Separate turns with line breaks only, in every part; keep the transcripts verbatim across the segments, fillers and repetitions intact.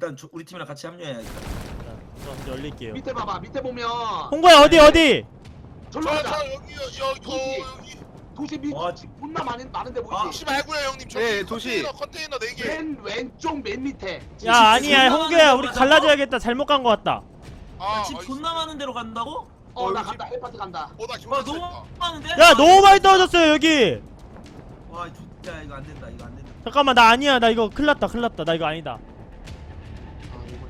일단 조, 우리 팀이랑 같이 합류해야겠다.
자, 먼저 열릴게요.
밑에 봐봐. 밑에 보면
홍보야 어디 어디?
절로
저,
가자.
저 여기요, 여기, 어, 여기.
도시 밑
와,
존나 많은 많은데 보이지?
혹시 말고요, 형님. 저기
네, 도시.
컨테이너, 컨테이너 네 개.
맨 왼쪽 맨 밑에.
야 아니야 홍규야 우리 갈라져야겠다. 잘못 간 거 같다.
아,
집 존나 많은 데로 간다고?
어 나
여기
간다. 헬파트 간다.
어, 나
와
기분
너무
좋다.
많은데?
야 너무 많이 떨어졌어요 여기.
와 진짜 이거 안 된다. 이거 안 된다.
잠깐만 나 아니야. 나 이거 큰일 났다 큰일 났다. 나 이거 아니다.
아, 이거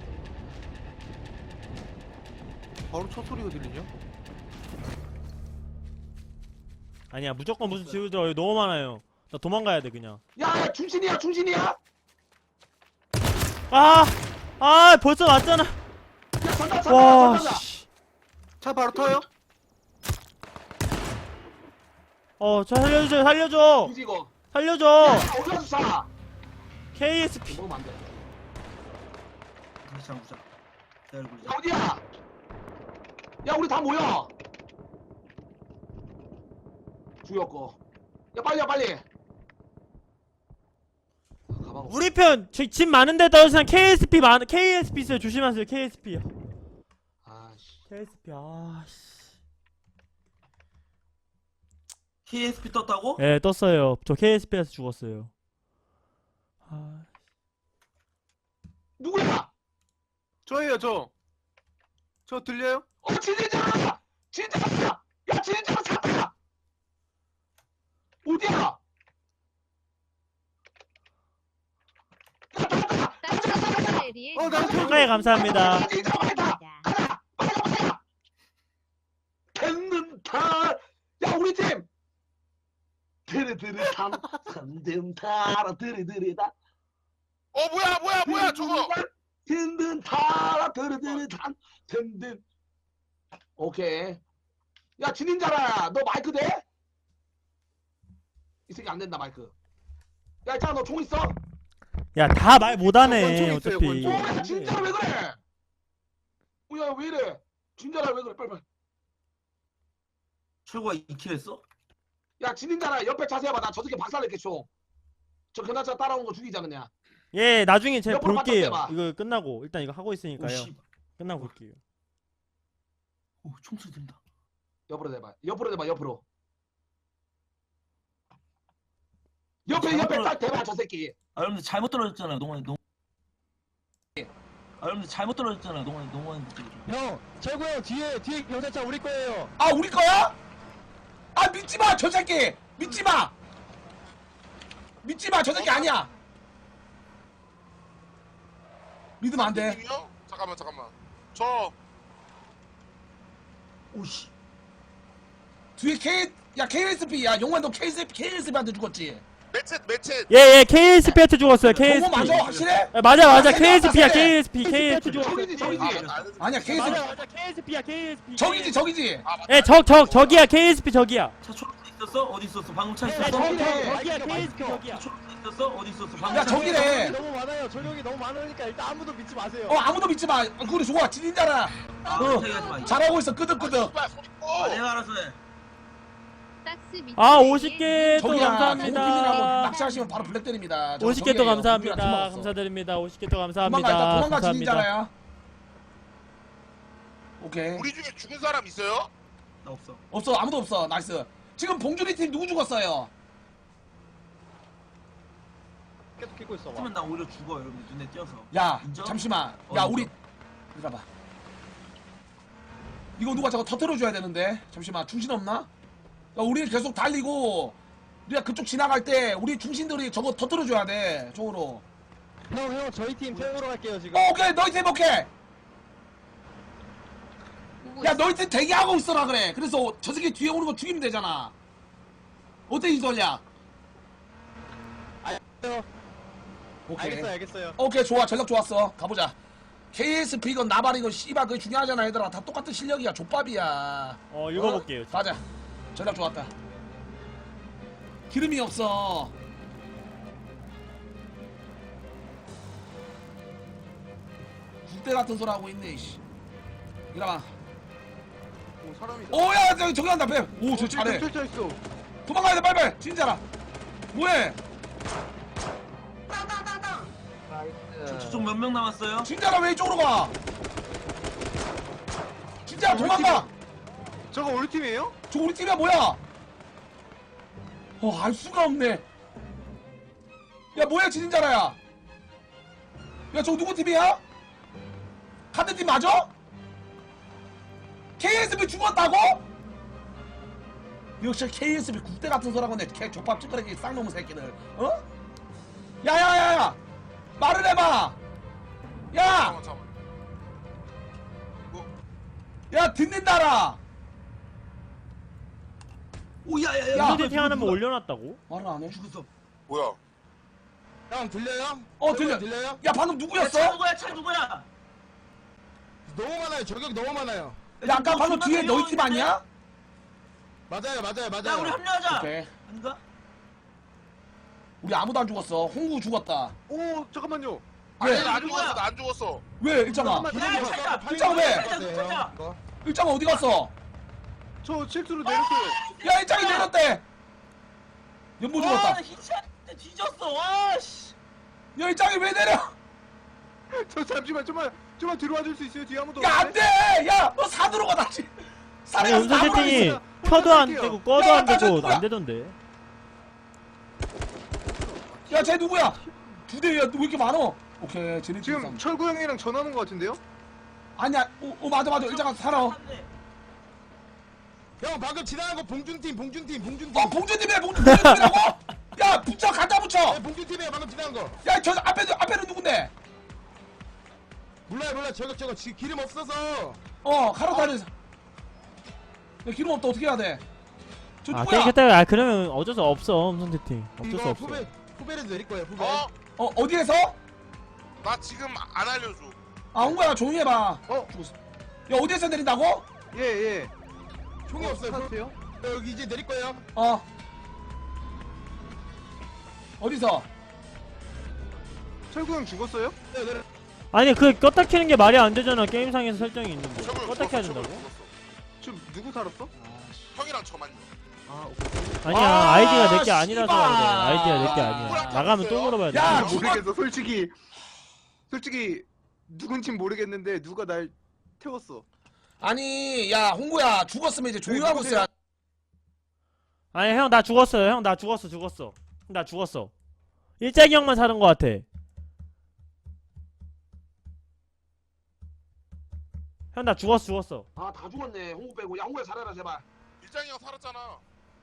바로 첫 소리가 들리냐?
아니야 무조건 무슨 지우죠. 여기 너무 많아요. 나 도망가야 돼 그냥.
야 중신이야 중신이야.
아! 아 벌써 왔잖아.
야 전다 전다
와
전다.
씨.
차 바로 터요?
어 저 살려줘 살려줘
중지 이거.
살려줘.
야 올라서 사.
케이에스피.
먹으면 안 돼.
다시 한번 보자. 기다려 보자.
야 어디야? 야 우리 다 모여. 죽였고. 야 빨리야 빨리. 아, 가방 없어.
우리 편 집 많은데 떨어지는 케이에스피 많 케이에스피 있어요. 조심하세요. 케이에스피.
아씨.
케이에스피 아씨.
케이에스피 떴다고?
예 떴어요. 저 케이에스피에서 죽었어요. 아
누구야?
저예요 저. 저 들려요?
어 진짜 진짜 야 진짜 샀다. 어디야?
어, 나 저-
네 감사합니다.
아, 진짜 많다. 가자. 빨리 가자. 됐는다. 야 우리 팀. 드르드르 삼 삼든타라 드르드르다.
어, 뭐야, 뭐야, 뭐야, 저거.
든든타라 드르드르 삼 든든. 오케이. 야 진인자라 너 마이크 돼? 이 새끼 안 된다 마이크. 야 있잖아 너 총 있어?
야 다 말 못하네
권총 있어요,
어차피.
권총.
어, 야 진짜라 왜 그래? 뭐야 왜 이래? 진짜라 왜 그래? 빨리 빨리.
최고가 이 킬 했어?
야 진인자라 옆에 자세히 봐. 나 저 새끼 박살낼게 총. 저 견자차 따라오는 거 죽이자 그냥.
예 나중에 제가
옆으로
볼게요.
바꿔
이거 끝나고 일단 이거 하고 있으니까요.
오씨.
끝나고 볼게요.
오 총소리 들린다.
옆으로 대봐. 옆으로 대봐. 옆으로. 옆에 옆에 딱 대봐 저 새끼.
아 여러분들 잘못 떨어졌잖아요. 농원 농. 아 여러분들 잘못 떨어졌잖아요. 농원 농원.
형, 철구 형 뒤에 뒤에 경찰차 우리 거예요.
아 우리 거야? 아 믿지 마 저 새끼. 믿지 마. 믿지 마 저 새끼 아니야. 믿으면 안 돼.
님이요? 잠깐만, 잠깐만. 저,
오씨.
뒤에 K 야 케이에스피 야 용환 너 케이에스피 케이에스피한테 죽었지.
매챗, 매챗.
예예 케이에스피한테 죽었어요.
저거
케이에스피.
맞아 확실해?
아, 맞아 맞아
아,
케이에스피야
맞아.
케이에스피 케이에스피.
저기지 저기지.
아,
아니야 케이에스피
맞아 맞아 케이에스피야 케이에스피.
저기지 저기지.
아, 맞다.
예적 적 저기야 케이에스피 저기야.
차 초록색 있었어? 어디 있었어? 방금 차
예
있었어?
저기.
저기야 저기야 케이에스피 저기야.
초록색 있었어? 어디 있었어? 방금
야
차
저기래.
너무 많아요. 저력이 너무 많으니까 일단 아무도 믿지 마세요.
어 아무도 믿지 마. 그래 좋아 진인자라.
아,
어.
저기 하지 마.
잘하고 있어 끄덕끄덕.
씨발, 소리 꺼.
아, 내가 알아서 해.
아 오십 개 또
저기야
감사합니다.
낚시하시면 바로 블랙 때립니다. 저
오십 개 또
저기예요.
감사합니다.
우리가 팀 없어.
감사드립니다. 오십 개 또
도망가 일단
감사합니다.
도망가
감사합니다.
진인자라야. 오케이.
우리 중에 죽은 사람 있어요?
나 없어.
없어 아무도 없어 나이스. 지금 봉준이 팀 누구 죽었어요?
계속 끼고 있어. 봐.
그러면 나 오히려 죽어 여러분들 눈에 띄어서.
야
인정?
잠시만.
어,
야
인정.
우리 이리봐. 이거 누가 저거 터트려줘야 되는데 잠시만 중신 없나? 야 우리 계속 달리고 우리가 그쪽 지나갈 때 우리 중신들이 저거 터트려줘야 돼 쪽으로.
형, 형 저희 팀 태우러 갈게요 지금.
어, 오케이 너희 팀 오케이. 야 너희 팀 대기하고 있어라 그래. 그래서 저 새끼 뒤에 오는 거 죽이면 되잖아. 어때 이 전략?
알겠어요.
오케이.
알겠어요, 알겠어요.
오케이 좋아 전략 좋았어. 가보자. 케이에스피 이건 나발 이건 씨발 그게 중요하잖아 얘들아. 다 똑같은 실력이야 족밥이야.
어 읽어볼게요.
어? 가자. 전략 좋았다. 기름이 없어. 국대 같은 소리 하고 있네 이씨. 이라봐.
오 사람이다.
오야 저기 저기 한다 뱀. 오저 잘해.
쳐 있어.
도망가야 돼 빨리빨리. 진짜라. 뭐해?
저쪽 몇 명 남았어요?
진짜가 왜 이쪽으로 가? 진짜 도망가.
저거 우리 팀이에요?
저 우리 팀이야 뭐야? 어, 알 수가 없네. 야, 뭐야, 진짜라야? 야, 저 누구 팀이야? 같은 팀 맞아? 케이에스비 죽었다고? 역시 케이에스비 국대 같은 소라고 내 개 족밥 찌끄레기 쌍놈의 새끼들. 어? 야야야야! 말을 해봐! 야!
잠깐만 잠깐만.
야, 듣는다라!
오야야야.
야,
무대팅 하나만 올려놨다고?
말을 안 해?
죽었어.
뭐야?
형 들려요?
어, 들려.
들려요?
야, 방금
야, 차
누구였어?
누구야? 차 누구야?
너무 많아요. 저격 너무 많아요.
야, 아까 방금 뒤에 너희 팀 아니야?
맞아요, 맞아요, 맞아요.
야, 우리 합류하자.
오케이.
아닌가?
우리 아무도 안 죽었어. 홍구 죽었다.
오 잠깐만요.
아니
왜?
나안 죽었어. 나 안 죽었어.
왜, 일장아?
잠깐만.
야, 차자.
일장아 왜?
차자.
이거.
일장아 어디 갔어?
저 실수로 내렸어요.
야, 일장이 내렸대! 연보 죽었다.
와, 히치한테 뒤졌어. 와, 씨.
야, 일장이 왜 내려?
저 잠시만 좀만 좀만 들어와 줄 수 있어요? 뒤에 아무도
야, 안
없는데?
돼! 야, 너 사드로 가, 다시!
아니
사드로
음성
나무라고
세팅이
있어.
켜도 안
할게요.
되고 꺼도
야,
안
나 저
되고
누구야?
안 되던데.
야, 쟤 누구야? 두 대야, 왜 이렇게 많어? 오케이, 쟤네
지금
지금
철구 형이랑 전화하는 것 같은데요?
아니야, 어, 어 맞아, 맞아. 일장아 살아. 어,
형 방금 지나간 거 봉준팀, 봉준팀, 봉준팀.
어, 봉준님이야, 봉준, 봉준님이라고? 야, 붙여, 갖다 붙여!
네, 봉준팀이에요. 방금 지나간 거.
야, 저 앞에, 앞에는 누군데?
몰라요, 몰라요. 저격, 저거 지 기름 없어서.
어, 카로타는. 야, 기름 없다, 어떻게 해야 돼? 저
아
누구야?
깨끗하게 아 그러면 어쩔 수 없어 음성 세팅. 어쩔 수
이거
없어.
후배, 후배에서 내릴 거예요. 후배.
어?
어, 어디에서?
나 지금 안 알려줘.
아, 홍구야, 조용히 해봐.
어?
죽었어. 야, 어디에서 내린다고?
예 예.
총이 없어요.
타세요?
어, 여기 이제 내릴 거예요.
어. 어디서?
철구 형 죽었어요?
네, 내려.
아니 그 껐다 켜는 게 말이 안 되잖아. 게임상에서 설정이 있는데
저걸
껐다 켜야
죽었어, 저걸
된다고?
죽었어.
지금 누구 살았어?
형이랑 저만요.
아 오케이.
아니야
아,
아이디가 내 게 아니라서
씨발.
그래. 아이디가 내 게 아니야.
누구랑
나가면 또
켰어요?
물어봐야 돼.
야,
아,
죽었-
모르겠어 솔직히 솔직히 누군진 모르겠는데 누가 날 태웠어.
아니, 야, 홍구야, 죽었으면 이제 조용하고
네,
있어야.
아니 형 나 죽었어요. 형 나 죽었어 죽었어. 나 죽었어. 일장이 형만 사는 거 같아. 형 나 죽었어 죽었어.
아, 다 죽었네. 홍구 빼고. 야, 홍구야, 살아라, 제발.
일장이 형 살았잖아.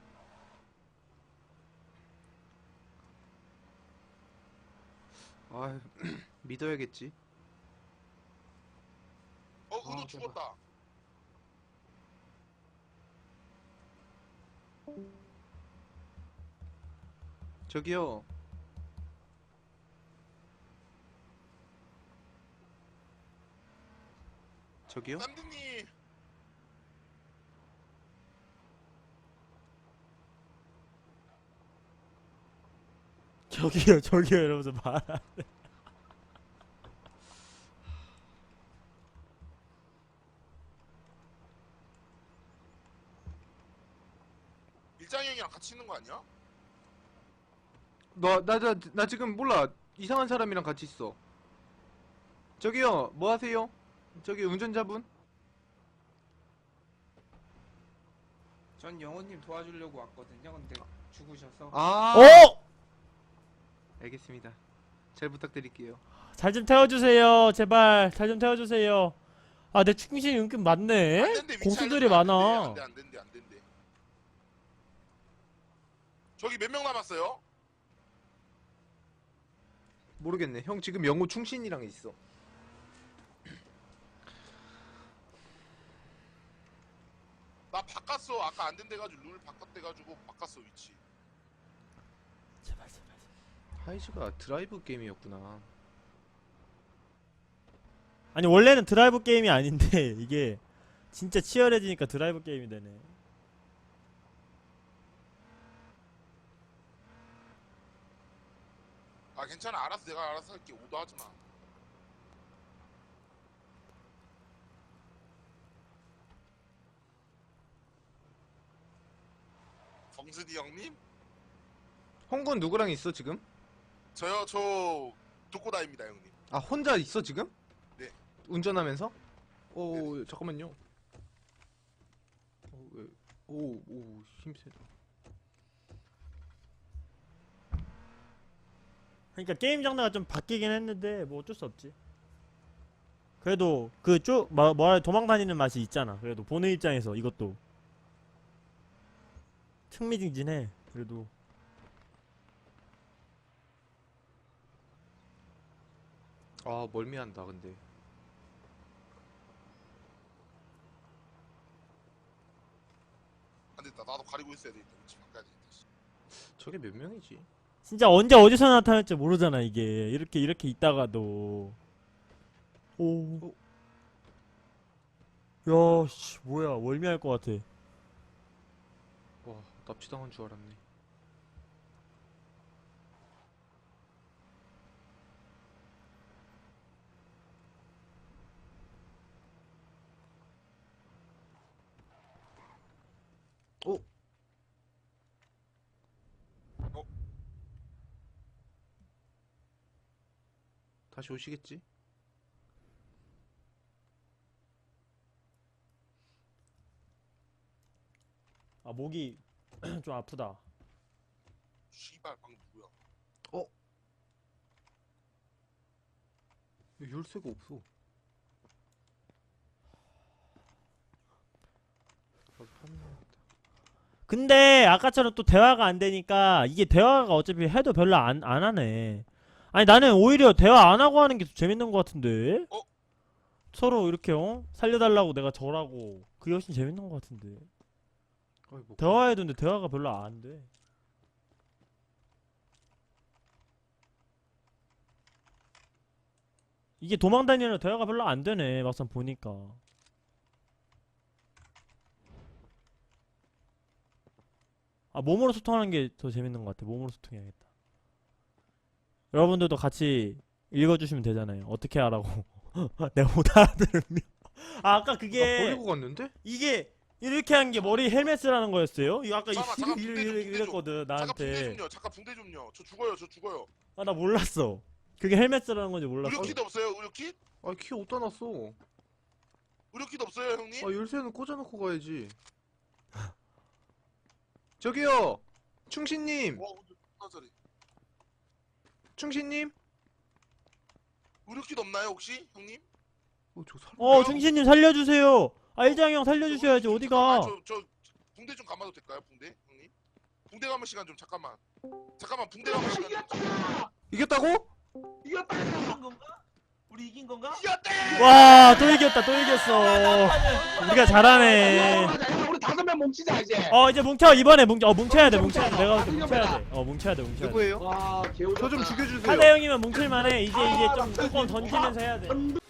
아 믿어야겠지.
어, 우도
아,
죽었다.
저기요. 저기요?
쌈드님.
저기요 저기요 이러면서 말.
일장이 형이랑 같이 있는 거 아니야?
너나 나 나 지금 몰라. 이상한 사람이랑 같이 있어. 저기요. 뭐 하세요? 저기 운전자분?
전 영호님 도와주려고 왔거든요. 근데 죽으셔서
아.
어?
알겠습니다. 잘 부탁드릴게요.
잘 좀 태워주세요 제발. 잘 좀 태워주세요. 아 내 충신이 은근
안
많네.
된대, 위치
공수들이
알려주면 안
많아.
된대, 안 된대, 안 된대. 저기 몇 명 남았어요?
모르겠네. 형 지금 영호 충신이랑 있어.
나 바꿨어. 아까 안 된대가지고 룰 바꿨대가지고 바꿨어 위치.
제발 제발.
하이즈가 드라이브 게임이었구나.
아니 원래는 드라이브 게임이 아닌데 이게 진짜 치열해지니까 드라이브 게임이 되네.
아 괜찮아. 알았어. 내가 알아서 할게. 오도하지 마. 정순이 형님?
홍군 누구랑 있어 지금?
저요 저 독고다입니다 형님.
아 혼자 있어 지금?
네.
운전하면서? 오 잠깐만요. 어, 왜? 오, 오, 힘세다.
그러니까 게임 장르가 좀 바뀌긴 했는데 뭐 어쩔 수 없지. 그래도 그쭉 뭐, 뭐라 도망 다니는 맛이 있잖아. 그래도 보는 입장에서 이것도 흥미진진해. 그래도
아 멀미한다 근데.
안 됐다. 나도 가리고 있어야 되겠다. 위치 바꿔야 되겠다. 씨.
저게 몇 명이지?
진짜 언제 어디서 나타날지 모르잖아 이게. 이렇게 이렇게 있다가도 오. 야, 씨, 뭐야 월미할 것 같아.
와 납치당한 줄 알았네. 어?
어?
다시 오시겠지?
아 목이 좀 아프다.
씨발 방금 누구야?
열쇠가 없어. 나도 파밍해야겠다.
근데 아까처럼 또 대화가 안 되니까 이게 대화가 어차피 해도 별로 안, 안 하네. 아니 나는 오히려 대화 안 하고 하는 게 더 재밌는 것 같은데.
어?
서로 이렇게 어? 살려달라고 내가 절하고 그게 훨씬 재밌는 것 같은데.
어이, 뭐
대화해도 근데 대화가 별로 안 돼. 이게 도망다니는 대화가 별로 안 되네 막상 보니까. 아 몸으로 소통하는 게 더 재밌는 것 같아. 몸으로 소통해야겠다. 여러분들도 같이 읽어주시면 되잖아요. 어떻게 하라고. 내가 못 알아들으면. 아 아까
나
그게
버리고 갔는데?
이게 이렇게 한 게 머리 헬멧 쓰라는 거였어요? 이거 아까 이-
잠깐만, 잠깐,
이러-
붕대 좀,
이러-
붕대
이랬거든
잠깐 붕대
나한테.
좀요. 잠깐 붕대 좀요. 저 죽어요. 저 죽어요.
아 나 몰랐어. 그게 헬멧 쓰라는 건지 몰랐어.
의료키도 없어요. 의료키?
아 키 어디다 놨어?
의료키도 없어요 형님?
아 열쇠는 꽂아놓고 가야지. 저기요, 충신님,
와 근데 존나 잘해.
충신님.
의료키도 없나요 혹시 형님?
어저 사람.
어 충신님 살려주세요. 아 일장이 형 살려주셔야지.
저-
어디가?
잠깐만, 저, 저 붕대 좀 감아도 될까요 붕대 형님? 붕대 감을 시간 좀 잠깐만. 잠깐만 붕대 감을 시간 좀. 잠깐만.
이겼다고?
이긴 건가? 우리 이긴 건가?
이겼대!
와 또 이겼다 또 이겼어. 우리가 잘하네.
우리 다섯 명 뭉치자 이제.
어 이제 뭉쳐 이번에 뭉쳐. 어 뭉쳐야 돼 뭉쳐야 돼. 내가 볼때 뭉쳐야 돼. 어 뭉쳐야 돼 뭉쳐야 돼.
누구예요?
와 개우.
저 좀 죽여주세요.
사대 형이면 뭉칠만해. 이제 이제 좀 뚜껑 던지면서 해야 돼.